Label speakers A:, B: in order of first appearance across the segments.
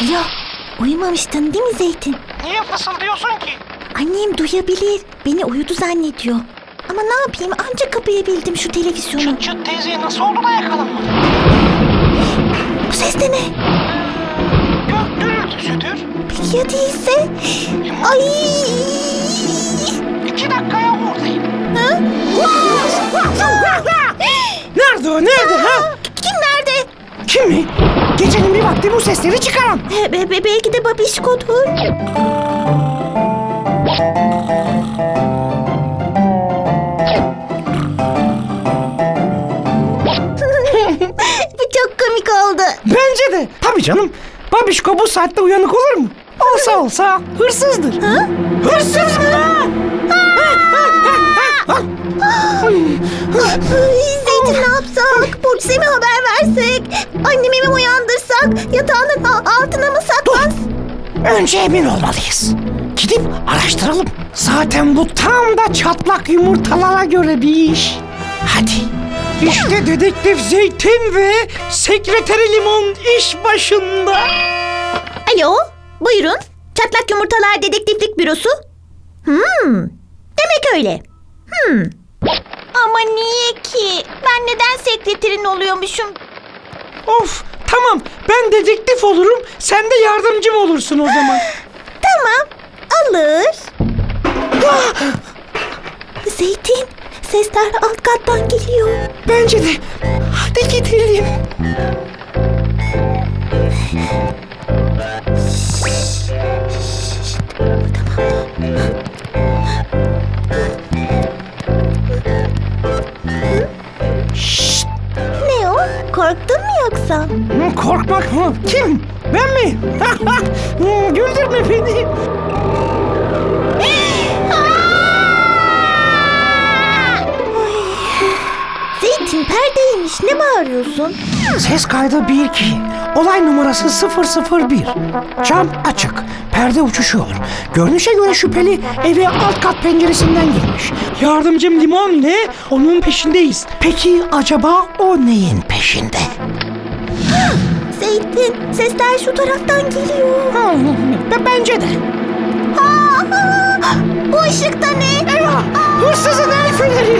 A: Alo, uyumamıştın değil mi Zeytin?
B: Niye fısıldıyorsun ki?
A: Annem duyabilir, beni uyudu zannediyor. Ama ne yapayım, ancak kapayabildim şu televizyonu.
B: Çıt çıt teyze nasıl oldu da yakalanmadı?
A: Bu ses de ne?
B: Gök gürültüsüdür.
A: Peki ya değilse? Ay!
B: 2 dakikaya oradayım.
A: Ha?
C: Nerede o? Nerede ha?
A: Kim nerede?
C: Kim mi? Gecenin bir vakti bu sesleri çıkaran.
A: Belki de babişkodur. Bu çok komik oldu.
C: Bence de. Tabii canım. Babişko bu saatte uyanık olur mu? Olsa hırsızdır.
A: Ha?
C: Hırsız mı?
A: Zeytin ne yapsak? Burcu'ya mi haber versek? Annemi mi uyandırsak? Yatağının altına mı saklans?
C: Önce emin olmalıyız. Gidip araştıralım. Zaten bu tam da çatlak yumurtalara göre bir iş. Hadi. İşte dedektif Zeytin ve sekreteri Limon iş başında.
A: Alo, buyurun. Çatlak Yumurtalar Dedektiflik Bürosu. Demek öyle. Ama niye ki? Ben neden sekreterin oluyormuşum?
C: Of, tamam. Ben dedektif olurum. Sen de yardımcım olursun o zaman.
A: Tamam, alır. Zeytin, sesler alt kattan geliyor.
C: Bence de. Hadi gidelim. Şşt.
A: Ne o? Korktun mu yoksa?
C: Korkmak mı? Kim? Ben mi? Güldürme beni.
A: Zeytin perdeymiş. Ne bağırıyorsun?
C: Ses kaydı 1-2. Olay numarası 001. Cam açık. Perde uçuşuyor. Görünüşe göre şüpheli eve alt kat penceresinden girmiş. Yardımcım Limon ile onun peşindeyiz. Peki acaba o neyin peşinde?
A: Zeytin, sesler şu taraftan geliyor.
C: Bence de.
A: Bu ışıkta ne?
C: Eyvah! Hırsızın el feneri!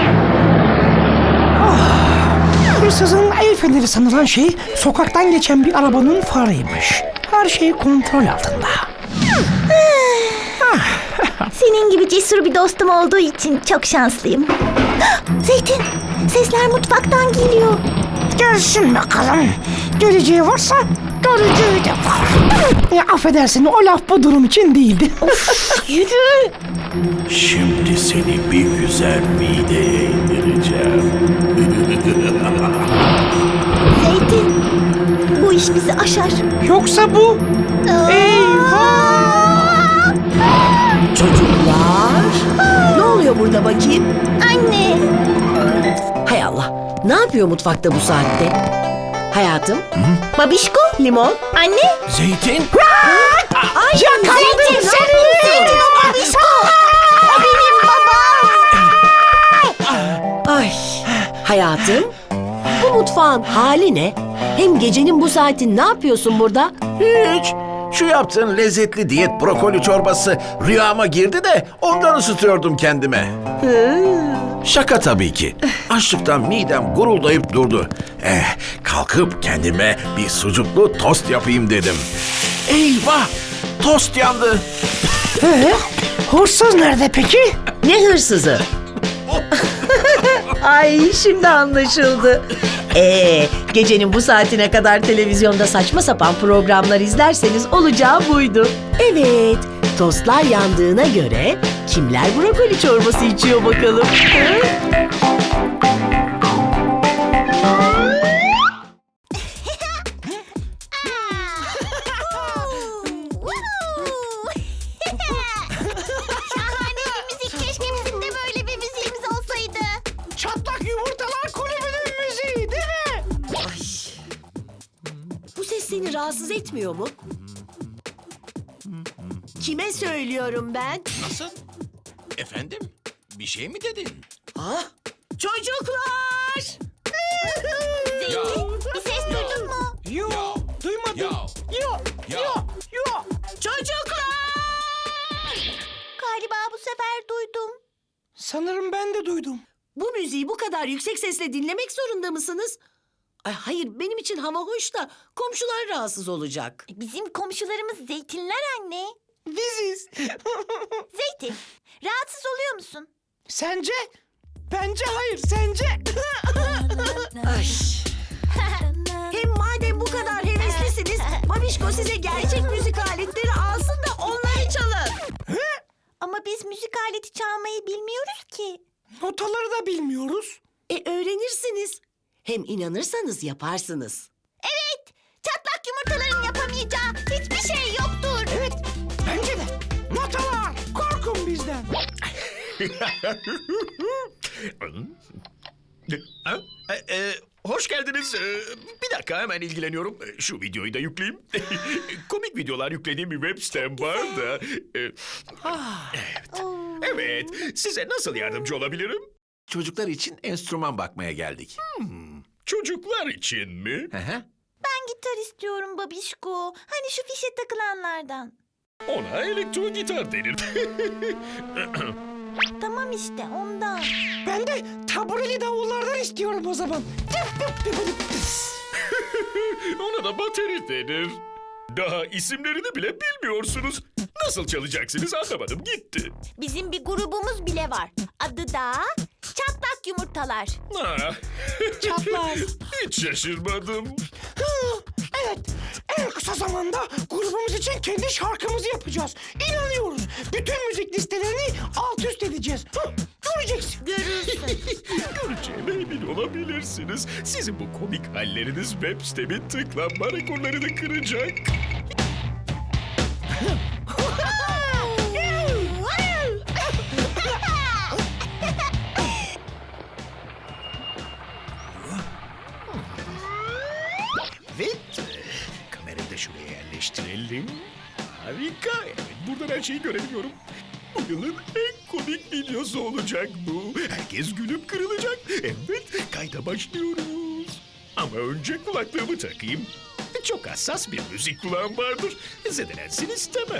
C: Hırsızın el feneri sanılan şey sokaktan geçen bir arabanın farıymış. Her şey kontrol altında.
A: Senin gibi cesur bir dostum olduğu için çok şanslıyım. Zeytin, sesler mutfaktan geliyor.
C: Gelsin bakalım. Geleceği varsa göreceği de var. Affedersin, o laf bu durum için değildi.
A: Yürü.
D: Şimdi seni bir güzel mideye indireceğim.
A: Zeytin, bu iş bizi aşar.
C: Yoksa bu... Eyvah!
E: Çocuklar, ne oluyor burada bakayım?
A: Anne.
E: Hay Allah, ne yapıyor mutfakta bu saatte? Hayatım,
A: Babişko.
E: limon.
A: Anne.
D: Zeytin?
E: Ay,
C: Yakaladım seni!
A: Zeytin o babişko. O benim babam.
E: Ay, hayatım, bu mutfağın hali ne? Hem gecenin bu saati ne yapıyorsun burada?
D: Hiç. Şu yaptığın lezzetli diyet brokoli çorbası rüyama girdi de ondan ısıtıyordum kendime. Şaka tabii ki. Açlıktan midem guruldayıp durdu. Kalkıp kendime bir sucuklu tost yapayım dedim. Eyvah! Tost yandı.
C: Hırsız nerede peki?
E: Ne hırsızı? Ay, şimdi anlaşıldı. Gecenin bu saatine kadar televizyonda saçma sapan programlar izlerseniz olacağı buydu. Evet, tostlar yandığına göre kimler brokoli çorbası içiyor bakalım?
A: Şahane bir müzik. Keşke bizim de böyle bir müziğimiz olsaydı.
C: Çatlak Yumurtalar Kulübü'nün müziği değil mi?
E: Ay, bu ses seni rahatsız etmiyor mu? Kime söylüyorum ben?
D: Nasıl? Efendim? Bir şey mi dedin?
E: Ah, çocuklar!
A: Zeytin, bir ses duydun mu?
C: Yok, duymadım.
D: Ya.
C: Yok.
D: Ya.
E: kadar yüksek sesle dinlemek zorunda mısınız? Ay, hayır, benim için hava hoş da komşular rahatsız olacak.
A: Bizim komşularımız zeytinler anne.
C: Biziz.
A: Zeytin, rahatsız oluyor musun?
C: Sence? Bence hayır. Sence?
E: Ay. Hem madem bu kadar heveslisiniz, Babişko size gerçek müzik aletleri alsın da onları çalın.
A: Ama biz müzik aleti çalmayı bilmiyoruz ki.
C: Notaları da bilmiyoruz.
E: Öğrenirsiniz. Hem inanırsanız yaparsınız.
A: Evet, çatlak yumurtaların yapamayacağı hiçbir şey yoktur.
C: Evet. Bence de. Notalar. Korkun bizden.
F: Hoş geldiniz. Bir dakika hemen ilgileniyorum. Şu videoyu da yükleyeyim. Komik videolar yüklediğim bir web sitem var da. Evet. Size nasıl yardımcı olabilirim?
D: Çocuklar için enstrüman bakmaya geldik.
F: Çocuklar için mi?
D: Hı hı.
A: Ben gitar istiyorum babişko. Hani şu fişe takılanlardan.
F: Ona elektro gitar denir.
A: Tamam işte ondan.
C: Ben de tabureli davullardan istiyorum o zaman.
F: Ona da bateri denir. Daha isimlerini bile bilmiyorsunuz. Nasıl çalacaksınız anlamadım gitti.
A: Bizim bir grubumuz bile var. Adı da Çatlak Yumurtalar.
F: Ah.
C: Çatlar.
F: Hiç şaşırmadım.
C: Evet. En kısa zamanda grubumuz için kendi şarkımızı yapacağız. İnanıyoruz. Bütün müzik listelerini alt üst edeceğiz. Göreceksin.
A: Görürsün.
F: Göreceğime emin olabilirsiniz. Sizin bu komik halleriniz web sitemin tıklanma rekorlarını kıracak. Evet. Kamerayı da şuraya yerleştirelim. Harika. Evet, buradan her şeyi görebiliyorum. Bu yılın en komik videosu olacak bu. Herkes gülüp kırılacak. Evet, kayda başlıyoruz. Ama önce kulaklığımı takayım. Çok hassas bir müzik kulağım vardır. Zedelensin istemem.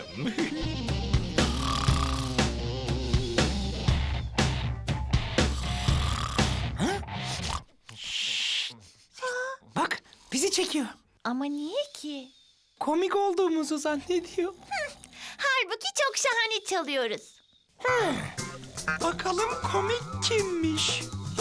C: Bak bizi çekiyor.
A: Ama niye ki?
C: Komik olduğumuzu zannediyor.
A: Halbuki çok şahane çalıyoruz.
C: Bakalım komik kimmiş?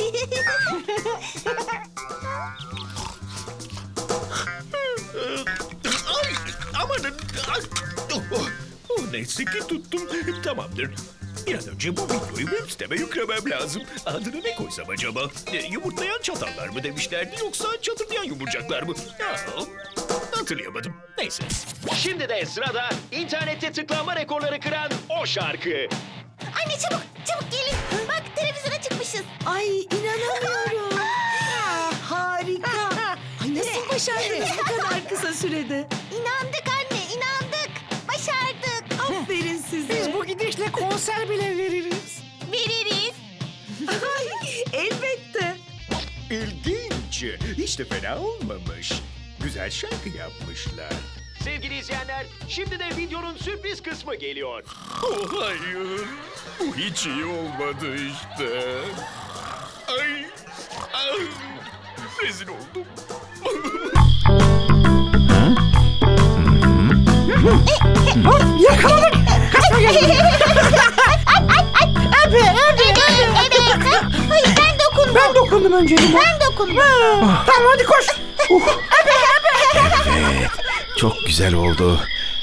F: Ay, amanın. Ay, neyse ki tuttum. Tamamdır. Bir an önce bu videoyu web siteme yüklemem lazım. Adını ne koysam acaba? Yumurtlayan çatallar mı demişlerdi yoksa çatırdayan yumurcaklar mı? Ya, hatırlayamadım. Neyse.
G: Şimdi de sırada internette tıklanma rekorları kıran o şarkı.
A: Anne çabuk çabuk gelin. Bak televizyona çıkmışız.
E: Ay, inanamıyorum. Harika. Ay, nasıl başardınız bu kadar kısa sürede?
A: İnandık anne inandık. Başardık.
E: Aferin size.
C: Biz bu gidişle konser bile veririz.
A: Veririz.
E: Elbette.
F: İlginç. Hiç de fena olmamış. Güzel şarkı yapmışlar.
G: Sevgili izleyenler, şimdi de videonun sürpriz kısmı geliyor.
F: Oh hayır. Bu hiç iyi olmadı işte. Ay. Ay. Rezil oldum.
C: Yakaladık. Kaçma gel.
A: Evet. Hayır ben dokundum.
C: Ben dokundum önce limon.
A: Ben dokundum.
C: Tamam hadi koş.
D: Evet. Çok güzel oldu.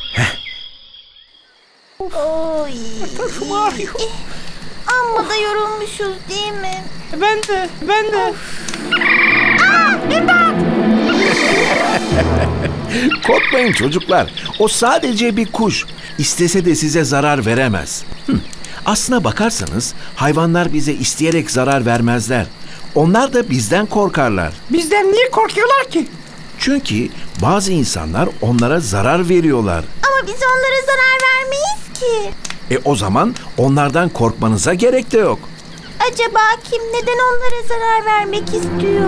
A: Oy.
C: Takım ağrıyor.
A: Amma da yorulmuşuz değil mi?
C: Ben de.
D: Korkmayın çocuklar. O sadece bir kuş. İstese de size zarar veremez. Aslına bakarsanız hayvanlar bize isteyerek zarar vermezler. Onlar da bizden korkarlar.
C: Bizden niye korkuyorlar ki?
D: Çünkü bazı insanlar onlara zarar veriyorlar.
A: Ama biz onlara zarar vermeyiz ki.
D: O zaman onlardan korkmanıza gerek de yok.
A: Acaba kim neden onlara zarar vermek istiyor?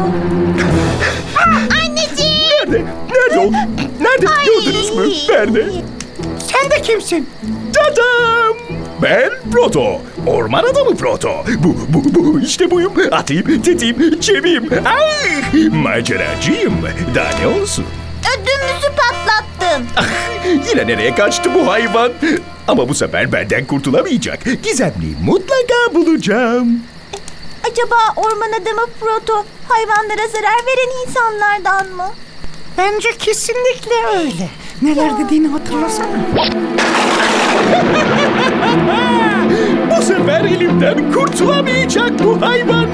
A: Anneciğim!
F: Nerede o? Nerede? Gördünüz mü? Nerede?
C: Sen de kimsin?
F: Dadam! Ben Proto. Orman adamı Proto. Bu işte buyum. Atayım, tetiğim, çeviyim. Ay! Maceracıyım. Daha ne olsun?
A: Ödümüzü patlattın.
F: Yine nereye kaçtı bu hayvan? Ama bu sefer benden kurtulamayacak. Gizemliyi mutlaka bulacağım.
A: Acaba orman adamı Proto hayvanlara zarar veren insanlardan mı?
C: Bence kesinlikle öyle. Neler dediğini hatırlasana.
F: Bu sefer elimden kurtulamayacak bu hayvan.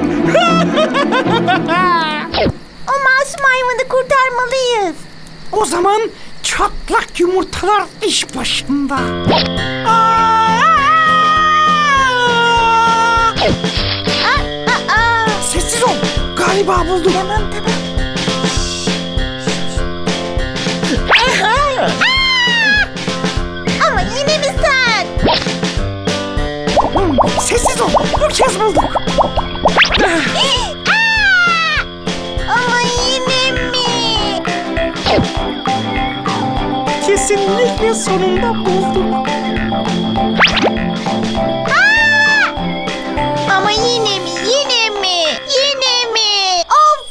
A: O masum hayvanı kurtarmalıyız.
C: O zaman çatlak yumurtalar iş başında. Sessiz ol. Galiba buldum.
A: Tamam. Ama yine mi sen?
C: Sessiz ol. Bu kez bulduk.
A: Ama yine mi?
C: Kesinlikle sonunda bulduk.
A: Ama yine mi? Yine mi?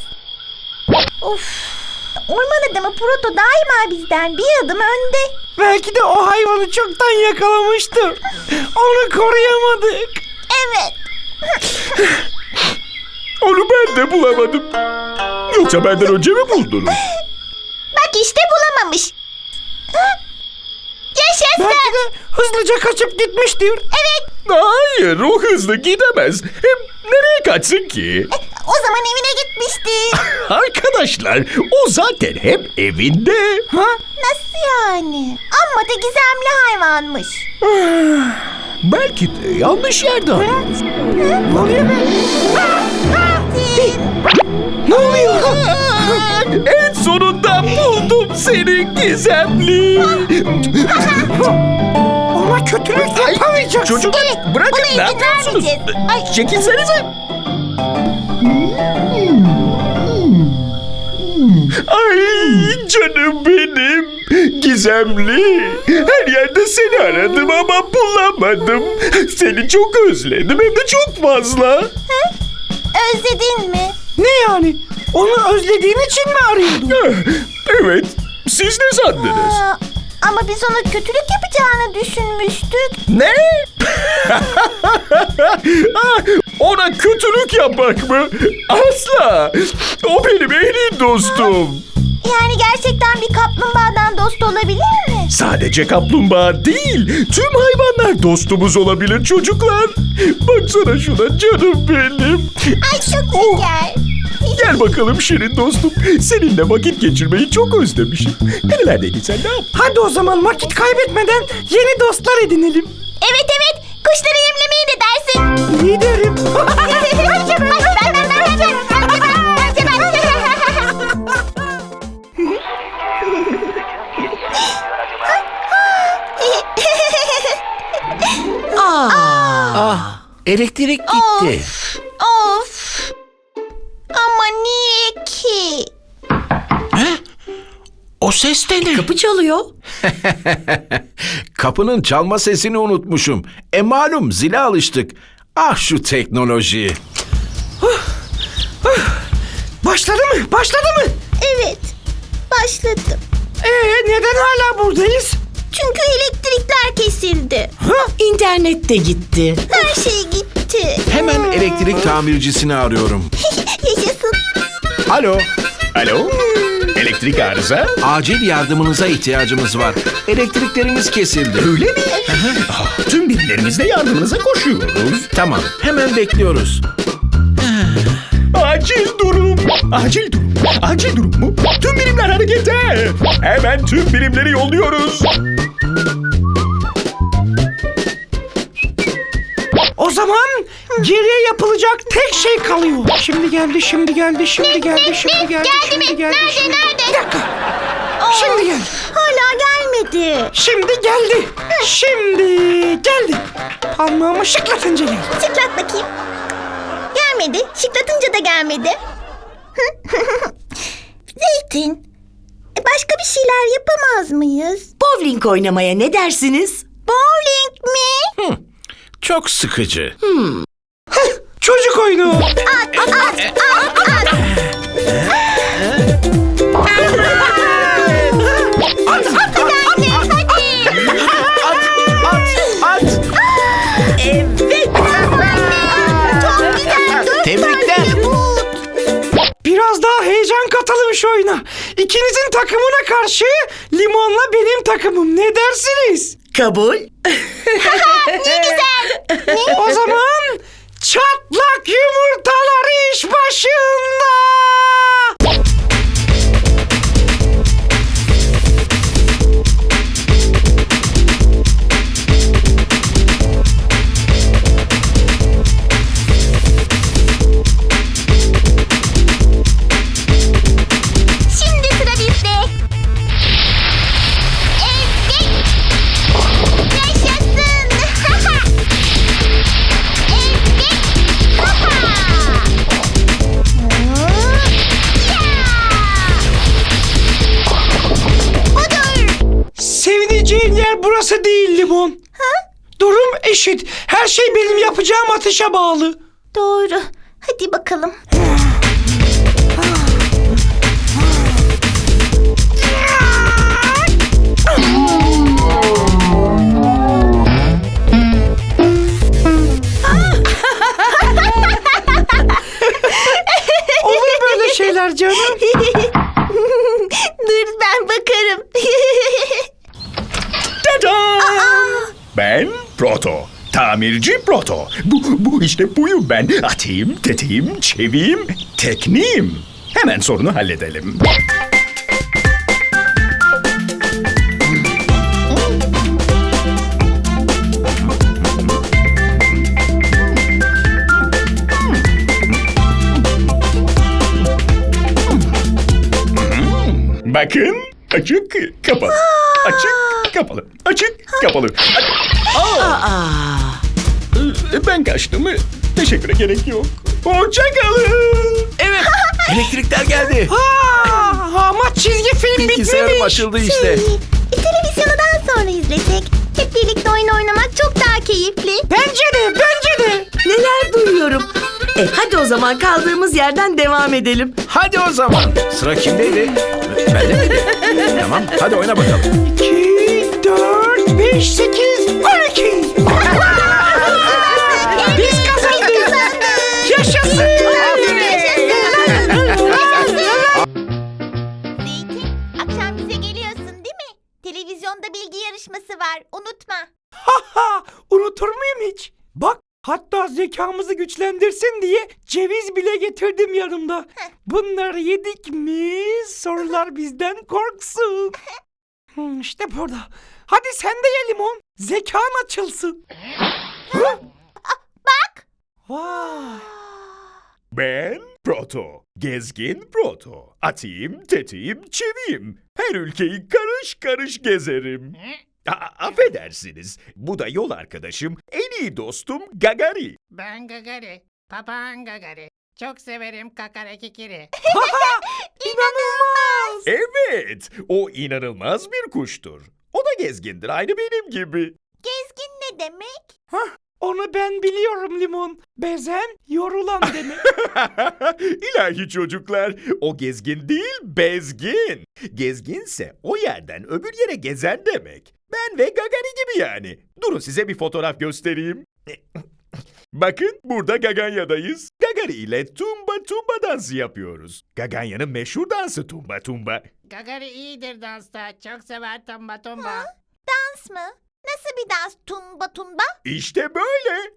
A: Of. Orman adamı Proto daima bizden bir adım önde.
C: Belki de o hayvanı çoktan yakalamıştı. Onu koruyamadık.
A: Evet.
F: Onu ben de bulamadım. Yoksa benden önce mi buldunuz?
A: Bak işte bulamamış. Yaşasın.
C: Belki de hızlıca kaçıp gitmiştir.
A: Evet.
F: Hayır, o hızlı gidemez. Hem nereye kaçsın ki?
A: O zaman evine gitmişti.
F: Arkadaşlar, o zaten hep evinde.
C: Ha?
A: Nasıl yani? Amma da gizemli hayvanmış.
F: Belki de yanlış yerde arıyoruz.
C: Ne oluyor be?
A: Tin.
C: Ne oluyor?
F: En sonunda buldum seni gizemli.
C: Ona kötülük yapamayacaksın.
F: Çocuklar
A: Evet,
F: bırakın,
A: ona
F: ne
A: izin
F: yapıyorsunuz?
A: vermeyeceğiz. Ay.
F: Çekilsenize. Ay canım benim. Gizemli. Her yerde seni aradım ama bulamadım. Seni çok özledim, hem de çok fazla.
A: Özledin mi?
C: Ne yani? Onu özlediğin için mi arıyordun?
F: Evet. Siz ne sandınız?
A: Ama biz ona kötülük yapacağını düşünmüştük.
F: Ne? Ona kötülük yapmak mı? Asla. O benim en iyi dostum.
A: Yani gerçekten bir kaplumbağadan dost olabilir mi?
F: Sadece kaplumbağa değil, tüm hayvanlar dostumuz olabilir çocuklar. Baksana şuna canım benim.
A: Ay çok şeker.
F: Gel bakalım Şirin dostum. Seninle vakit geçirmeyi çok özlemişim. Nerelerdeydin sen, ne yaptın?
C: Hadi o zaman vakit kaybetmeden yeni dostlar edinelim.
A: Evet. Kuşları yemlemeyi ne dersin?
C: İyi derim.
D: Ah, elektrik gitti.
A: Of. Ama niye ki?
D: O ses de ne?
E: Kapı çalıyor.
D: Kapının çalma sesini unutmuşum. Malum zile alıştık. Ah şu teknoloji.
C: Başladı mı? Başladı mı?
A: Evet. Başladım.
C: Neden hala buradayız?
A: Çünkü elektrikler kesildi.
E: İnternet de gitti.
A: Her şey gitti.
D: Hemen elektrik tamircisini arıyorum.
A: Yaşasın.
D: Alo,
F: Alo? Elektrik arıza?
D: acil yardımınıza ihtiyacımız var. Elektriklerimiz kesildi.
F: Öyle mi? Tüm birimlerimizle yardımınıza koşuyoruz.
D: Tamam, hemen bekliyoruz.
F: Acil durum. Acil durum. Acil durum mu? Tüm birimler harekete. Hemen tüm birimleri yolluyoruz.
C: O zaman geriye yapılacak tek şey kalıyor. Şimdi geldi, şimdi geldi, şimdi geldi, şimdi geldi, şimdi geldi.
A: Nerede?
C: Bir dakika. Şimdi geldi.
A: Hala gelmedi.
C: Şimdi geldi. Şimdi geldi. Parmağımı şıklatınca geldi.
A: Şıklat bakayım. Gelmedi. Şıklatınca da gelmedi. Zeytin. Başka bir şeyler yapamaz mıyız?
E: Bowling oynamaya ne dersiniz?
A: Bowling mi?
D: Çok sıkıcı.
C: Çocuk oyunu.
D: Tebrikler.
C: Biraz daha heyecan katalım şu oyuna. İkinizin takımına karşı Limon'la benim takımım. Ne dersiniz?
E: Kabul.
C: O zaman çatlak yumurtalar iş başında.
A: Şimdi sıra bizde. Evet. Yaşasın.
C: Sevineceğin yer burası değil Limon. Durum eşit. Her şey benim yapacağım atışa bağlı.
A: Doğru. Hadi bakalım.
C: Olur böyle şeyler canım.
A: Dur ben bakarım.
F: Ben Proto. Tamirci Proto. Bu işte buyum ben. Atayım, tetiğim, çeviyim, tekniğim. Hemen sorunu halledelim. Bakın, açık, kapalı. Açık, kapalı. Açık, kapalı. Ben kaçtım. Teşekküre gerek yok. Hoşça kalın.
D: Evet. Elektrikler geldi.
C: Ama çizgi film
D: Bilgisayarım
C: bitmemiş.
D: açıldı işte.
A: Televizyonu daha sonra izlesek. Hep birlikte oyun oynamak çok daha keyifli.
C: Bence de.
E: Neler duyuyorum. Hadi o zaman kaldığımız yerden devam edelim.
D: Hadi o zaman. Sıra kimdeydi? Bende miydi? Tamam. Hadi oyna bakalım.
C: 2, 4, 5, 8, 12. Biz kazandık. Yaşasın.
A: Zeytin, akşam bize geliyorsun değil mi? Televizyonda bilgi yarışması var, unutma.
C: Unutur muyum hiç? Bak, hatta zekamızı güçlendirsin diye ceviz bile getirdim yanımda. Bunları yedik mi sorular bizden korksun. İşte burada. Hadi sen de ye Limon. Zekan açılsın.
A: Bak.
C: Vay.
F: Ben Proto. Gezgin Proto. Atayım, tetiğim, çeviyim. Her ülkeyi karış karış gezerim. Affedersiniz. Bu da yol arkadaşım, en iyi dostum Gagari.
B: Ben Gagari. Papağan Gagari. Çok severim kakare kikiri.
C: İnanılmaz.
F: Evet, o inanılmaz bir kuştur. O da gezgindir, aynı benim gibi.
A: Gezgin ne demek?
C: Onu ben biliyorum Limon. Bezen, yorulan demek.
F: İlahi çocuklar, o gezgin değil, bezgin. Gezginse o yerden öbür yere gezen demek. Ben ve Gagari gibi yani. Durun size bir fotoğraf göstereyim. Bakın burada Gaganya'dayız. Gagari ile tumba tumba dansı yapıyoruz. Gaganya'nın meşhur dansı tumba tumba.
B: Gagari iyidir dansta. Çok sever tomba tomba.
A: Dans mı? Nasıl bir dans? Tumba tumba?
F: İşte böyle.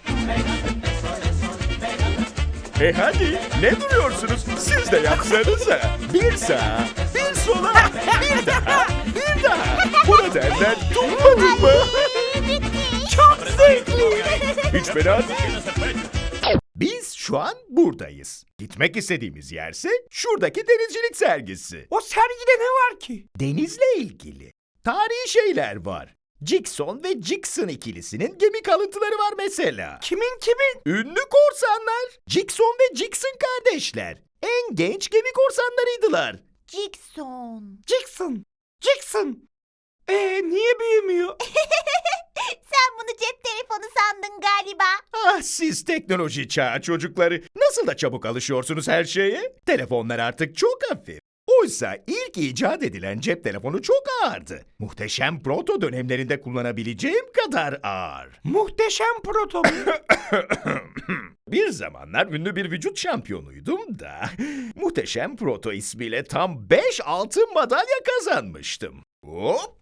F: Hadi ne duruyorsunuz? Siz de yapsanıza. Bir sağa, bir sola, bir daha, bir daha. Buna derler tumba tumba.
C: Çok zevkli.
F: Hiç fena değil. Biz şu an buradayız. Gitmek istediğimiz yerse şuradaki denizcilik sergisi.
C: O sergide ne var ki?
F: Denizle ilgili tarihi şeyler var. Jackson ve Jackson ikilisinin gemi kalıntıları var mesela.
C: Kimin?
F: Ünlü korsanlar. Jackson ve Jackson kardeşler. En genç gemi korsanlarıydılar.
A: Jackson.
C: Niye büyümüyor?
A: Sen bunu cep telefonu telefonu sandın galiba.
F: Ah siz teknoloji çağı çocukları. Nasıl da çabuk alışıyorsunuz her şeye? Telefonlar artık çok hafif. Oysa ilk icat edilen cep telefonu çok ağırdı. Muhteşem proto dönemlerinde kullanabileceğim kadar ağır.
C: Muhteşem proto.
F: Bir zamanlar ünlü bir vücut şampiyonuydum da Muhteşem Proto ismiyle tam 5 altın madalya kazanmıştım. Hop!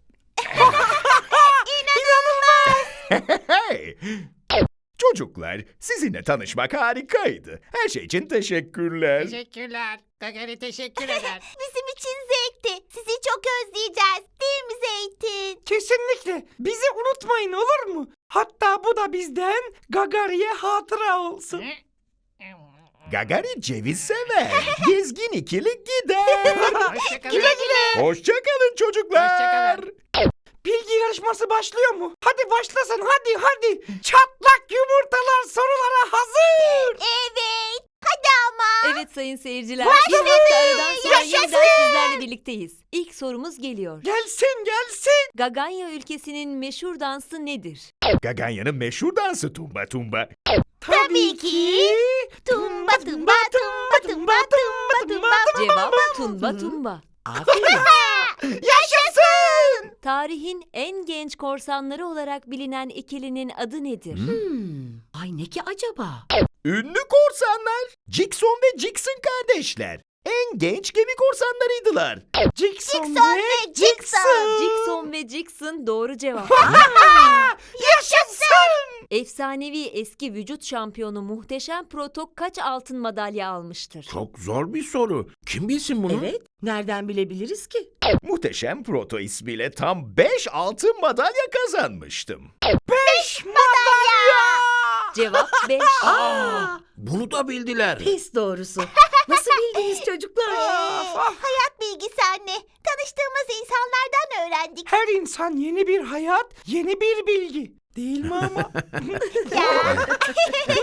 F: Hey! Çocuklar, sizinle tanışmak harikaydı. Her şey için teşekkürler.
B: Teşekkürler. Gagari teşekkür eder.
A: Bizim için zevkti. Sizi çok özleyeceğiz. Değil mi Zeytin?
C: Kesinlikle. Bizi unutmayın olur mu? Hatta bu da bizden Gagari'ye hatıra olsun.
F: Gagari ceviz sever. Gezgin ikili gider.
B: Hoşçakalın.
F: Hoşçakalın çocuklar.
B: Hoşçakalın.
C: Bilgi yarışması başlıyor mu? Hadi başlasın hadi. Çatlak yumurtalar sorulara hazır.
A: Evet. Hadi ama.
H: Evet sayın seyirciler. Bir hafta aradan sonra yeniden sizlerle birlikteyiz. İlk sorumuz geliyor.
C: Gelsin.
H: Gaganya ülkesinin meşhur dansı nedir?
F: Gaganya'nın meşhur dansı tumba tumba.
A: Tabii ki. Tumba tumba tumba tumba tumba tumba.
H: Cevap tumba tumba.
E: Aferin.
C: Yaşasın.
H: Tarihin en genç korsanları olarak bilinen ikilinin adı nedir?
E: Ay ne ki acaba?
F: Ünlü korsanlar. Jackson ve Jackson kardeşler. En genç gemi korsanlarıydılar.
C: Jackson
A: ve Jackson.
H: Jackson ve Jackson doğru cevap.
C: Yaşasın.
H: Efsanevi eski vücut şampiyonu Muhteşem Proto kaç altın madalya almıştır?
D: Çok zor bir soru. Kim bilsin bunu?
E: Evet, nereden bilebiliriz ki?
F: Muhteşem Proto ismiyle tam 5 altın madalya kazanmıştım.
C: 5 madalya.
H: Cevap 5.
D: Bunu da bildiler.
E: Pes doğrusu. Nasıl bildiniz çocuklar?
A: Hayat bilgisi anne. Tanıştığımız insanlardan öğrendik.
C: Her insan yeni bir hayat, yeni bir bilgi. Değil mi ama?
A: Ya.